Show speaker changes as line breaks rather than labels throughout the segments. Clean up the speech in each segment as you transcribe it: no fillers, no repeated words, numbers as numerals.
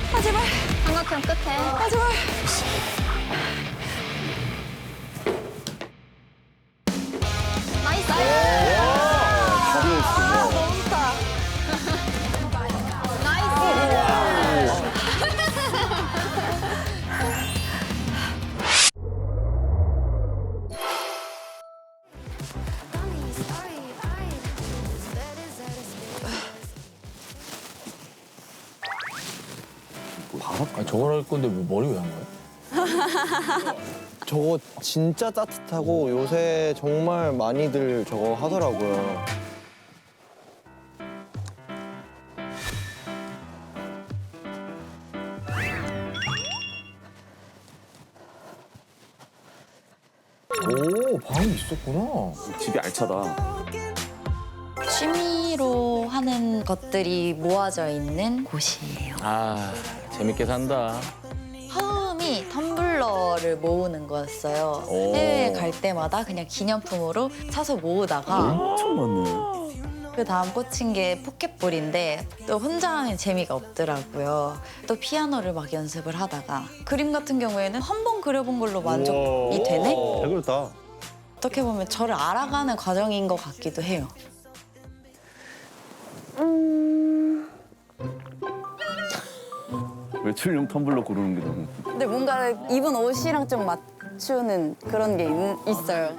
아, 제발.
삼각형 끝에.
아, 제발.
나이스.
아, 너무 좋다.
아니, 저걸 할 건데 왜 머리 왜 한 거야?
저거 진짜 따뜻하고 요새 정말 많이들 저거 하더라고요.
오, 방이 있었구나.
집이 알차다.
취미로 하는 것들이 모아져 있는 곳이에요.
아, 재밌게 산다.
처음이 텀블러를 모으는 거였어요.
오.
해외에 갈 때마다 그냥 기념품으로 사서 모으다가
엄청 많네.
그 다음 꽂힌 게 포켓볼인데 또 혼자 하면 재미가 없더라고요. 또 피아노를 막 연습을 하다가 그림 같은 경우에는 한 번 그려본 걸로 만족이 되네?
잘 그렸다.
어떻게 보면 저를 알아가는 과정인 것 같기도 해요.
외출용 텀블러 고르는 게 너무.
근데 뭔가 입은 옷이랑 좀 맞추는 그런 게 있어요.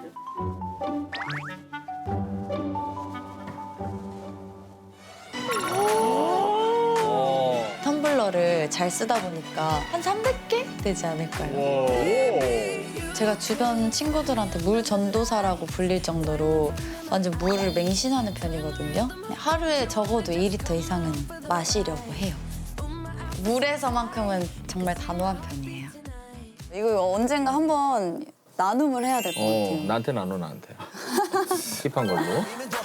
텀블러를 잘 쓰다 보니까 한 300개 되지 않을까요? 제가 주변 친구들한테 물 전도사라고 불릴 정도로 완전 물을 맹신하는 편이거든요. 하루에 적어도 2리터 이상은 마시려고 해요. 물에서만큼은 정말 단호한 편이에요. 이거 언젠가 한번 나눔을 해야 될 것 같아요.
나한테 나눠, 나한테. 힙한 걸로.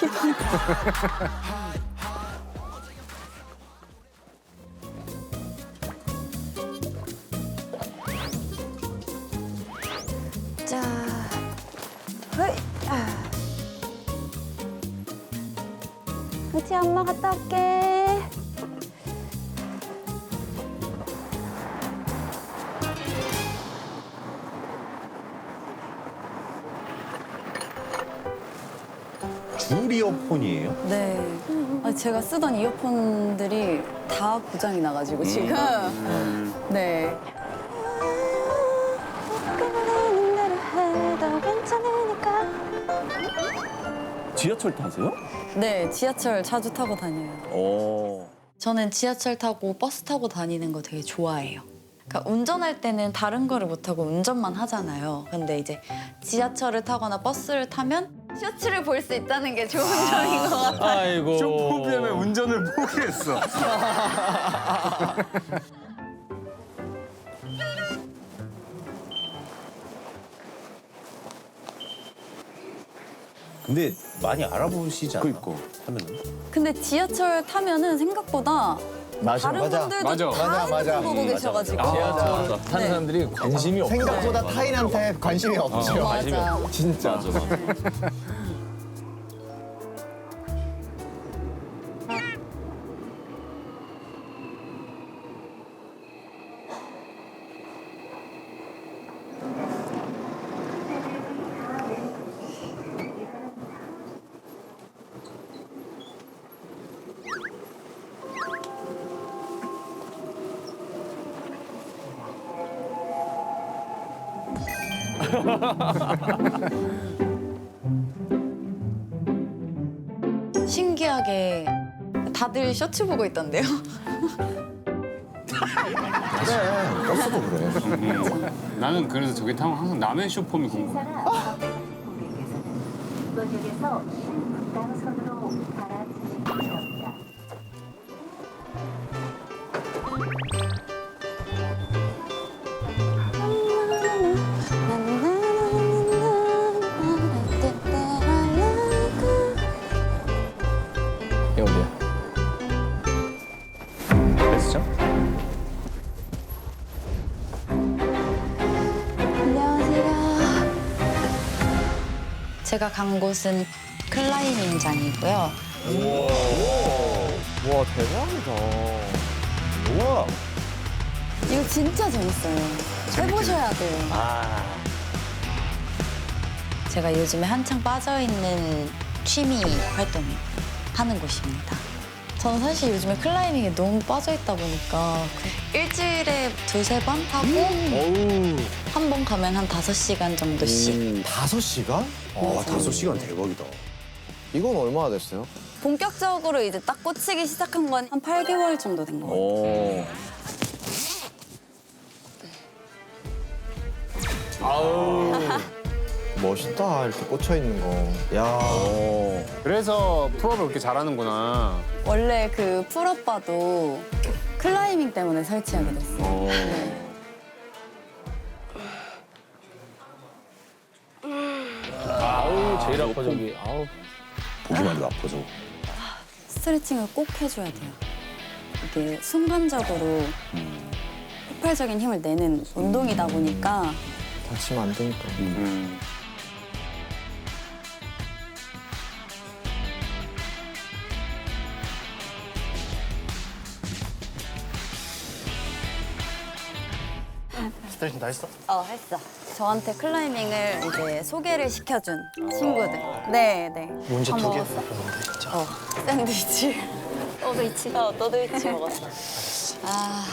자, 허이. 그치, 엄마 갔다 올게.
줄 이어폰이에요?
네. 제가 쓰던 이어폰들이 다 고장이 나가지고 지금. 네.
지하철 타세요?
네, 지하철 자주 타고 다녀요.
오.
저는 지하철 타고 버스 타고 다니는 거 되게 좋아해요. 그러니까 운전할 때는 다른 거를 못하고 운전만 하잖아요. 근데 이제 지하철을 타거나 버스를 타면 셔츠를 볼 수 있다는 게 좋은 점인 것 같아요.
아이고.
쇼폼비엠의 운전을 포기했어.
근데 많이 알아보시지 않아?
그니까.
하면은?
근데 지하철 타면은 생각보다
맞아.
다른
맞아.
분들도
맞아.
다
맞아, 맞아.
핸드폰 보고 계셔가지고.
지하철 타는
네.
사람들이 관심이 없어.
생각보다 타인한테 관심이 없죠.
맞아.
진짜.
맞아, 맞아.
신기하게 다들 셔츠 보고 있던데요.
그래. 버스도 그래.
나는 그래서 저기 타면 항상 남의 쇼폼이 궁금해.
이번역에서 신북단선으로 갈아타시기 바랍니다.
이게 어디야? 베스죠?
안녕하세요. 제가 간 곳은 클라이밍장이고요.
와, 대박이다. 우와.
이거 진짜 재밌어요. 해보셔야 돼요. 제가 요즘에 한창 빠져있는 취미 활동을 하는 곳입니다. 저는 사실 요즘에 클라이밍에 너무 빠져있다 보니까 일주일에 2-3번 하고 한 번 가면 한 5시간 정도씩.
5시간? 와, 5시간 대박이다.
이건 얼마나 됐어요?
본격적으로 이제 딱 꽂히기 시작한 건 한 8개월 정도 된 것 같아요.
오.
멋있다, 이렇게 꽂혀 있는 거. 야.
그래서 풀업을 그렇게 잘하는구나.
원래 그 풀업바도 클라이밍 때문에 설치하게 됐어요. 네.
아우 제일 아파 저기. 아우.
보기만 해도 아파, 저거.
스트레칭을 꼭 해줘야 돼요. 이게 순간적으로 폭발적인 힘을 내는 운동이다 보니까
다치면 안 되니까.
스트레칭 다 했어?
했어. 저한테 클라이밍을 이제 소개를 시켜준 친구들. 네, 네.
문제
다
2개
먹었어.
먹었는데,
샌드위치.
진짜.
너도 있지.
너도 있지 먹었어. 아.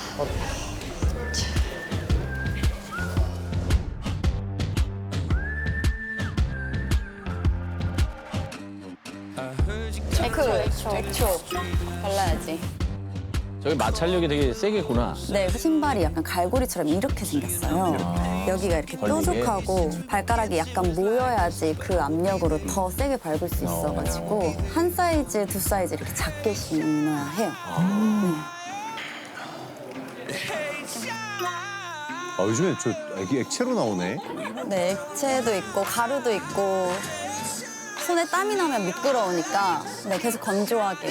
액초 발라야지.
저기 마찰력이 되게 세겠구나.
네, 신발이 약간 갈고리처럼 이렇게 생겼어요. 여기가 이렇게
걸리게?
뾰족하고 발가락이 약간 모여야지 그 압력으로 더 세게 밟을 수 있어가지고 한 사이즈, 2사이즈 이렇게 작게 신어야 해요.
아, 요즘에 저 액체로 나오네.
네, 액체도 있고 가루도 있고 손에 땀이 나면 미끄러우니까 네, 계속 건조하게.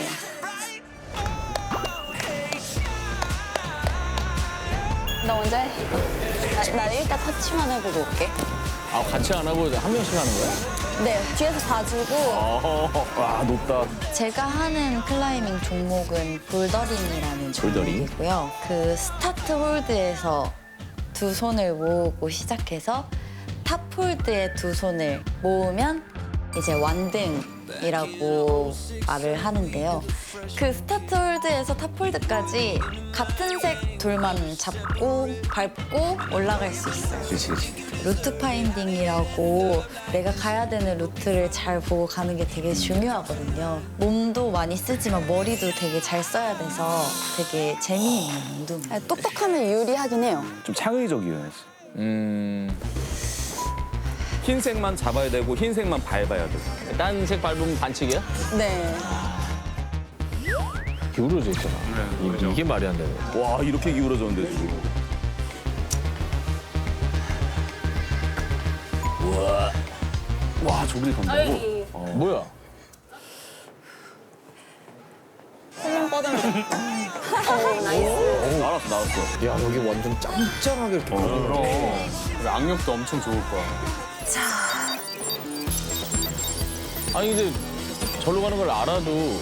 너 먼저 해. 나 일단 터치만 해보고 올게.
아 같이 안 하고 한 명씩 하는 거야?
네, 뒤에서 봐주고.
와, 높다.
제가 하는 클라이밍 종목은 볼더링이라는
볼더링?
종목이고요. 그 스타트 홀드에서 2손을 모으고 시작해서 탑 홀드에 2손을 모으면 이제 완등이라고 말을 하는데요. 그 스타트 홀드에서 탑 홀드까지 같은 색 돌만 잡고 밟고 올라갈 수 있어요.
그렇지.
루트 파인딩이라고 내가 가야 되는 루트를 잘 보고 가는 게 되게 중요하거든요. 몸도 많이 쓰지만 머리도 되게 잘 써야 돼서 되게 재미있는 운동. 똑똑하면 유리하긴 해요.
좀 창의적이에요.
흰색만 잡아야 되고 흰색만 밟아야 돼.
딴 색 밟으면 반칙이야?
네.
기울어져 있잖아. 이게 말이 안 되네.
와, 이렇게 기울어졌는데 지금. 와, 저길 간다고?
뭐야?
나왔어.
야, 여기 완전 짱짱하게 이렇게.
그럼 악력도 엄청 좋을 거야.
아니 근데 절로 가는 걸 알아도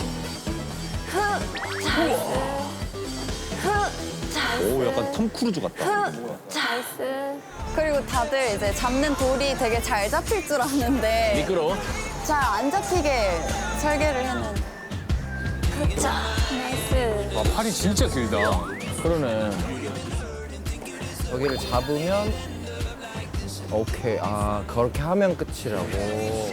오, 약간 톰 크루즈 같다.
나이스.
그리고 다들 이제 잡는 돌이 되게 잘 잡힐 줄 아는데
미끄러워?
잘 안 잡히게 설계를 했는데.
나이스.
와, 팔이 진짜 길다.
그러네.
여기를 잡으면 오케이. 아, 그렇게 하면 끝이라고.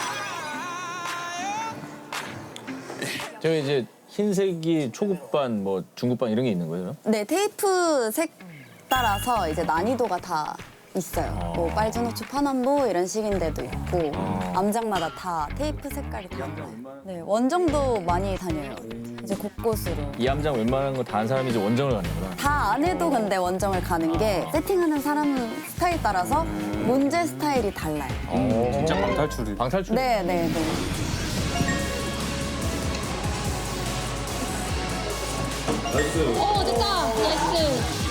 저 이제 흰색이 초급반, 뭐 중급반 이런 게 있는 거예요?
네, 테이프 색 따라서 이제 난이도가 다 있어요. 뭐 빨주노초 파남보 이런 식인데도 있고 암장마다 다 테이프 색깔이 달라요. 네, 원정도 많이 다녀요. 이제 곳곳으로.
이 암장 웬만한 거 다 한 사람이 이제 원정을 가는구나.
다 안 해도 근데 원정을 가는 게 세팅하는 사람 스타일 따라서 문제 스타일이 달라요.
진짜 방탈출이.
방탈출?
네, 네, 네.
오, 됐다. 나이스.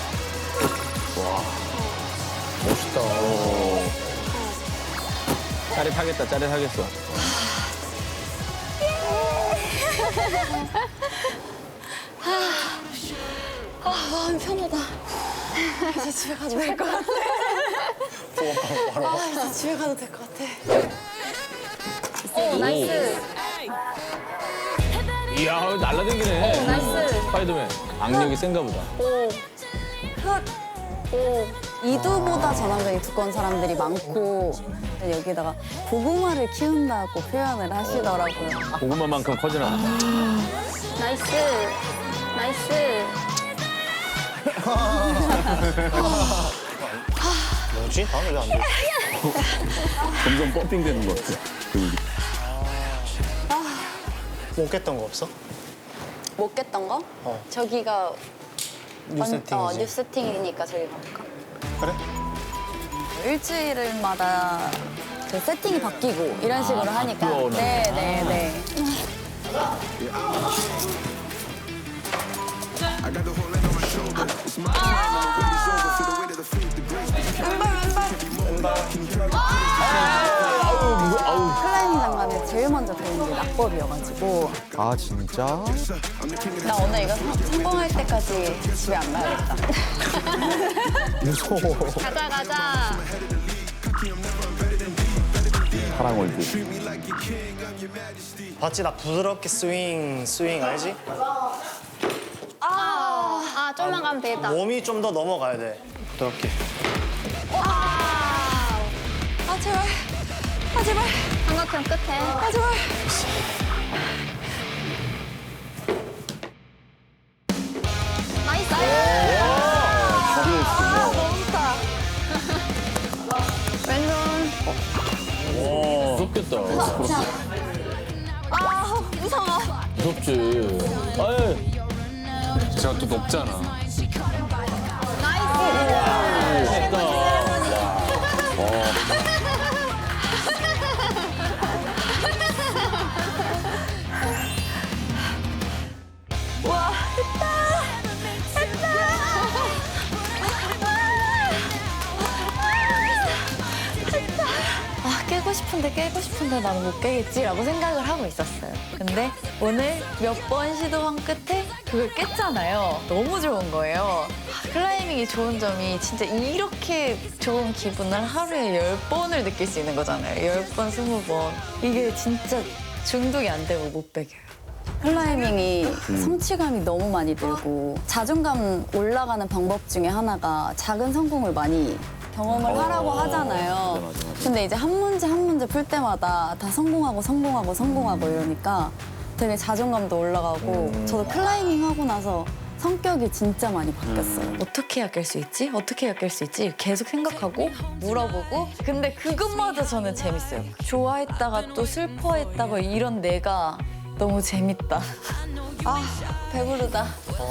멋있다.
짜릿하겠다, 짜릿하겠어.
마음 편하다. 이제 집에 가도 될 것 같아. 이제 집에 가도 될 것 같아.
오, 나이스.
이야, 날라다니네.
나이스.
스파이더맨. 악력이 센가 보다.
오. 오.
이두보다 전환경이 두꺼운 사람들이 많고 여기다가 고구마를 키운다고 표현을 하시더라고요.
고구마만큼 커지나 보다.
나이스. 나이스.
뭐지? 나는 왜안 돼?
점점 펌핑되는 것 같아. 근육이.
못 깼던 거 없어?
못 깼던 거? 저기가
뉴 세팅이지.
뉴 세팅이니까 저기 가볼까?
그래?
일주일마다 그 세팅이 바뀌고 이런 식으로 하니까.
바뀌어오나.
네네네. 클라이밍 장갑에 제일 먼저 배운 게 낙법이어가지고
아 진짜?
나 오늘 이거 성공할 때까지 집에 안 가야겠다.
무서워.
가자, 가자.
파랑 얼굴.
봤지? 나 부드럽게 스윙 알지?
아, 좀만 가면 되겠다.
몸이 좀 더 넘어가야 돼. 부드럽게.
아,
제발. 제발.
삼각형 끝에.
제발.
나이스. 왼손.
무섭겠다.
무서워.
무섭지. 아유.
제가 또 높잖아.
무섭다.
와, 깨고 싶은데 나는 못 깨겠지라고 생각을 하고 있었어요. 근데 오늘 몇 번 시도한 끝에 그걸 깼잖아요. 너무 좋은 거예요. 클라이밍이 좋은 점이 진짜 이렇게 좋은 기분을 하루에 10번을 느낄 수 있는 거잖아요. 10번, 20번. 이게 진짜 중독이 안 되고 못 배겨요.
클라이밍이 성취감이 너무 많이 들고 자존감 올라가는 방법 중에 하나가 작은 성공을 많이 경험을 하라고 하잖아요.
맞아.
근데 이제 한 문제 풀 때마다 다 성공하고 이러니까 되게 자존감도 올라가고 저도 클라이밍 하고 나서 성격이 진짜 많이 바뀌었어요.
어떻게 해야 깰 수 있지? 어떻게 해야 깰 수 있지? 계속 생각하고 물어보고 근데 그것마저 저는 재밌어요. 좋아했다가 또 슬퍼했다가 이런 내가 너무 재밌다. 아, 배부르다.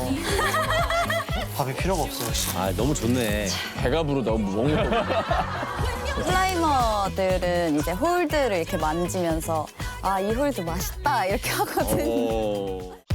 밥이 필요가 없어 역시.
아, 너무 좋네. 배가 부르다. 먹는 거.
클라이머들은 이제 홀드를 이렇게 만지면서 아, 이 홀드 맛있다 이렇게 하거든요.